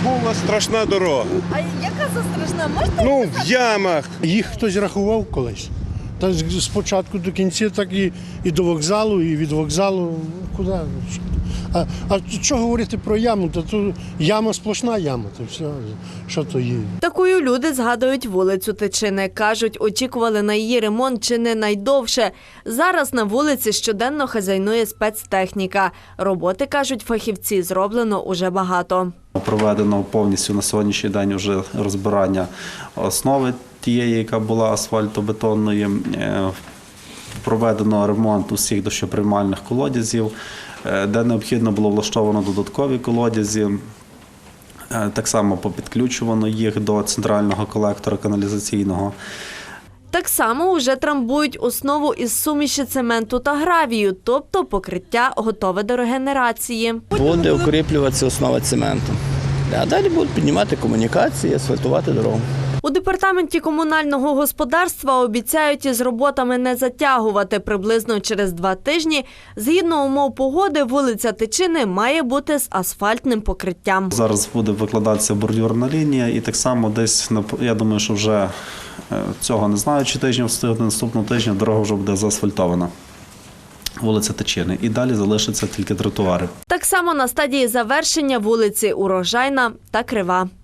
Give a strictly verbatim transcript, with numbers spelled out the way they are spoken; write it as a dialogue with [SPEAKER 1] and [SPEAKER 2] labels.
[SPEAKER 1] була страшна дорога.
[SPEAKER 2] А яка це страшна? Можете?
[SPEAKER 1] Ну, в ямах.
[SPEAKER 3] Їх хтось рахував колись. Та з початку до кінця, так і, і до вокзалу, і від вокзалу. Куди? А, а що говорити про яму? Та то яма сплошна яма, то все, що то є.
[SPEAKER 2] Такою люди згадують вулицю Тичини. Кажуть, очікували на її ремонт чи не найдовше. Зараз на вулиці щоденно хазяйнує спецтехніка. Роботи, кажуть фахівці, зроблено уже багато.
[SPEAKER 4] Проведено повністю на сьогоднішній день вже розбирання основи тієї, яка була асфальтобетонної. Проведено ремонт усіх дощоприймальних колодязів, де необхідно було влаштовано додаткові колодязі. Так само попідключувано їх до центрального колектора каналізаційного.
[SPEAKER 2] Так само уже трамбують основу із суміші цементу та гравію, тобто покриття готове до регенерації.
[SPEAKER 5] Буде укріплюватися основа цементу. А далі будуть піднімати комунікації, асфальтувати дорогу.
[SPEAKER 2] У департаменті комунального господарства обіцяють із роботами не затягувати. Приблизно через два тижні, згідно умов погоди, вулиця Тичини має бути з асфальтним покриттям.
[SPEAKER 4] Зараз буде викладатися бордюрна лінія і так само десь, я думаю, що вже цього не знаю, чи тижня встигне, наступного тижня дорога вже буде заасфальтована. Вулиця Тичини. І далі залишаться тільки тротуари.
[SPEAKER 2] Так само на стадії завершення вулиці Урожайна та Крива.